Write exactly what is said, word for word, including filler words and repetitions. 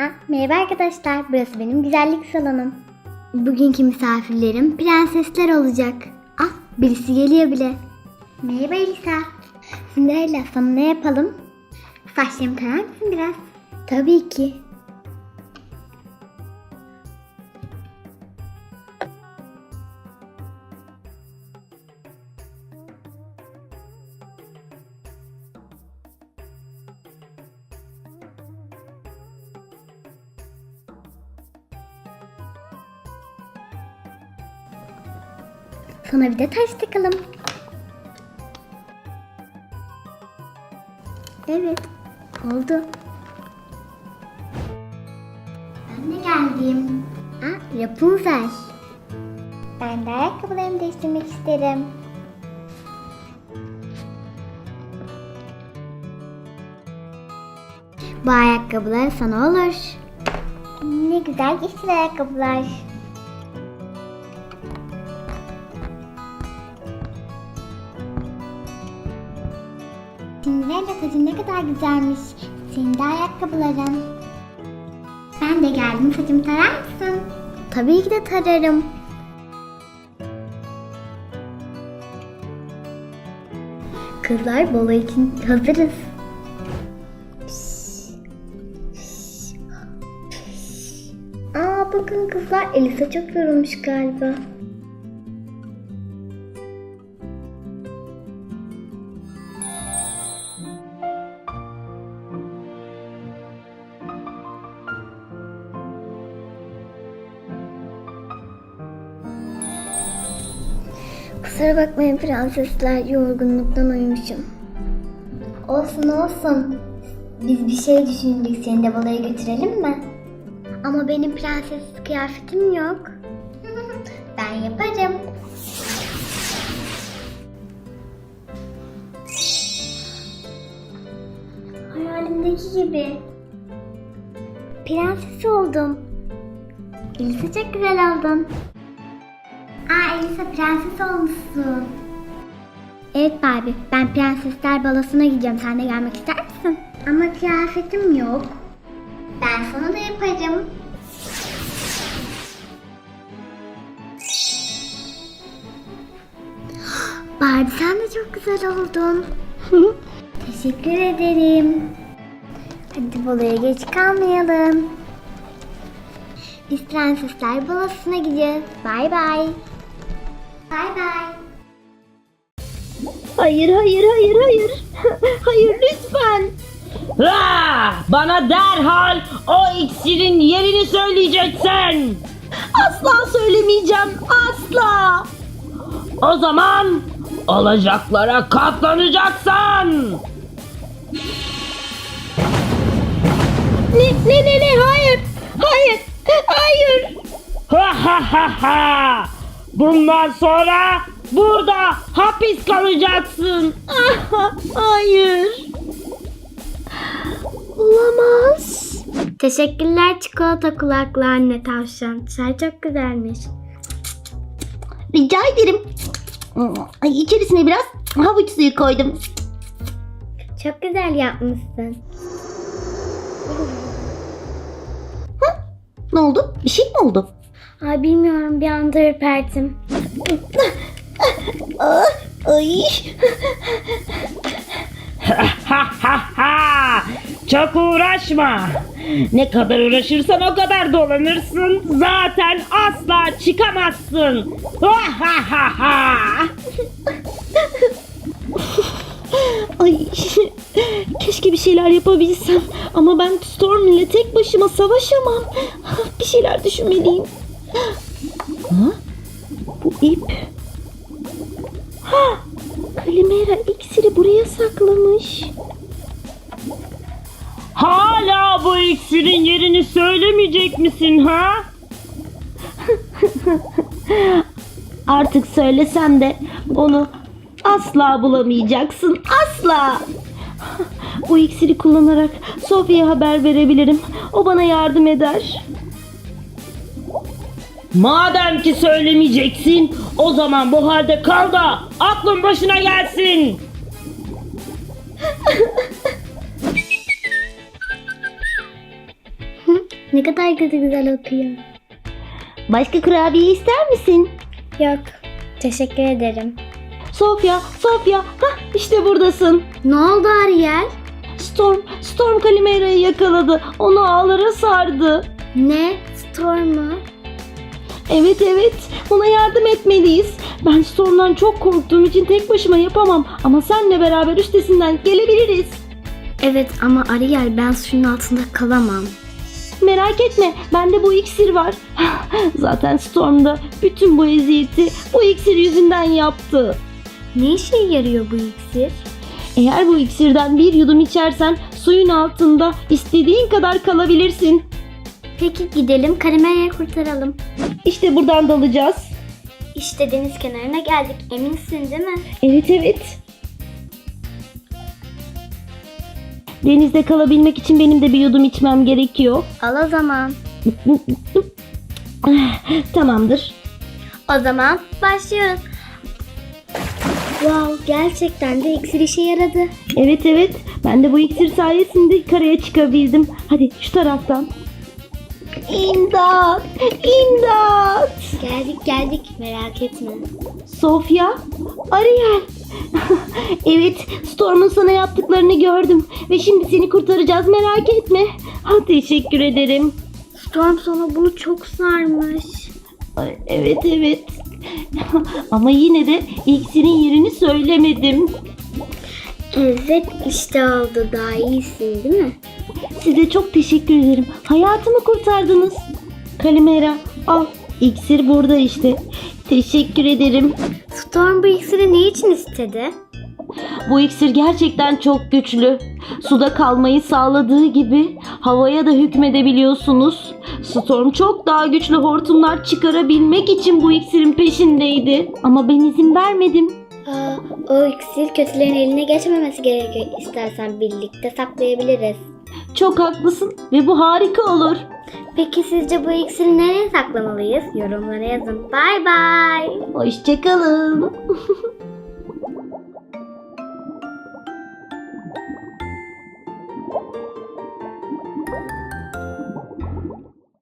Ah, merhaba arkadaşlar, burası benim güzellik salonum. Bugünkü misafirlerim prensesler olacak. Ah, birisi geliyor bile. Merhaba Elisa. Cinderella, sana ne yapalım? Saçlarımı tarar mısın biraz? Tabii ki. Sana bir de taş takalım. Evet, oldu. Ben de geldim. Ah, Rapunzel. Ben de ayakkabılarımı değiştirmek isterim. Bu ayakkabılar sana olur. Ne güzel yeşil ayakkabılar. Cinderella, saçın ne kadar güzelmiş. Senin de ayakkabıların. Ben de geldim, saçımı tarar mısın? Tabii ki de tararım. Kızlar, balo için hazırız. Aa, bakın kızlar, Elisa çok yorulmuş galiba. Kusura bakmayın prensesler, yorgunluktan uyumuşum. Olsun olsun. Biz bir şey düşündük, seni de balaya götürelim mi? Ama benim prenses kıyafetim yok. Ben yaparım. Hayalimdeki gibi. Prenses oldum. Elisa, çok güzel oldun. Aa, Elisa, prenses olmuşsun. Evet Barbie, ben prensesler balosuna gideceğim. Sen de gelmek ister misin? Ama kıyafetim yok. Ben sana da yaparım. Barbie, sen de çok güzel oldun. Teşekkür ederim. Hadi baloya geç kalmayalım. Biz prensesler balosuna gidiyoruz. Bay bay. Bay bay. Hayır, hayır, hayır, hayır. Hayır, lütfen. Ah, bana derhal o iksirin yerini söyleyeceksin. Asla söylemeyeceğim, asla. O zaman olacaklara katlanacaksın. Ne, ne, ne, ne, hayır, hayır, hayır. Ha ha ha ha. Bundan sonra burada hapis kalacaksın. Ah, hayır. Olamaz. Teşekkürler çikolata kulaklı anne tavşan. Çay çok güzelmiş. Rica ederim. Ay, içerisine biraz havuç suyu koydum. Çok güzel yapmışsın. Ne oldu? Bir şey mi oldu? Ay, bilmiyorum, bir anda ürperdim. Ah, ay. Ha ha ha. Çok uğraşma. Ne kadar uğraşırsan o kadar dolanırsın. Zaten asla çıkamazsın. Ha ha ha ha. Ay, keşke bir şeyler yapabilsem. Ama ben Storm ile tek başıma savaşamam. Bir şeyler düşünmeliyim. Ha? Bu ip. Ha! Kalimera iksiri buraya saklamış. Hala bu iksirin yerini söylemeyecek misin ha? Artık söylesem de onu asla bulamayacaksın. Asla. Bu iksiri kullanarak Sofya'ya haber verebilirim. O bana yardım eder. Madem ki söylemeyeceksin, o zaman bu halde kal da aklın başına gelsin. ne kadar kötü güzel okuyor. Başka kurabiye ister misin? Yok. Teşekkür ederim. Sofya, Sofya. Hah, işte buradasın. Ne oldu Ariel? Storm, Storm Kalimera'yı yakaladı. Onu ağlara sardı. Ne? Storm mu? Evet evet, ona yardım etmeliyiz. Ben Storm'dan çok korktuğum için tek başıma yapamam. Ama senle beraber üstesinden gelebiliriz. Evet ama Ariel ben suyun altında kalamam. Merak etme, bende bu iksir var. Zaten Storm da bütün bu eziyeti bu iksir yüzünden yaptı. Ne işe yarıyor bu iksir? Eğer bu iksirden bir yudum içersen suyun altında istediğin kadar kalabilirsin. Peki gidelim Kalimera'yı kurtaralım. İşte buradan dalacağız. İşte deniz kenarına geldik. Eminsin değil mi? Evet evet. Denizde kalabilmek için benim de bir yudum içmem gerekiyor. Al o zaman. Tamamdır. O zaman başlıyoruz. Wow, gerçekten de iksir işe yaradı. Evet evet. Ben de bu iksir sayesinde karaya çıkabildim. Hadi şu taraftan. İmdat! İmdat! Geldik geldik merak etme. Sofya, Ariel. Evet, Storm'un sana yaptıklarını gördüm ve şimdi seni kurtaracağız, merak etme. Ha, teşekkür ederim. Storm sana bunu çok sarmış. Ay, evet evet. Ama yine de iksirin yerini söylemedim. Evet işte oldu, daha iyisin değil mi? Size çok teşekkür ederim. Hayatımı kurtardınız. Kalimera, al. İksir burada işte. Teşekkür ederim. Storm bu iksiri ne için istedi? Bu iksir gerçekten çok güçlü. Suda kalmayı sağladığı gibi havaya da hükmedebiliyorsunuz. Storm çok daha güçlü hortumlar çıkarabilmek için bu iksirin peşindeydi. Ama ben izin vermedim. Aa, o iksir kötülerin eline geçmemesi gerekiyor. İstersen birlikte saklayabiliriz. Çok haklısın ve bu harika olur. Peki sizce bu iksiri nereye saklamalıyız? Yorumlara yazın. Bye bye. Hoşçakalın.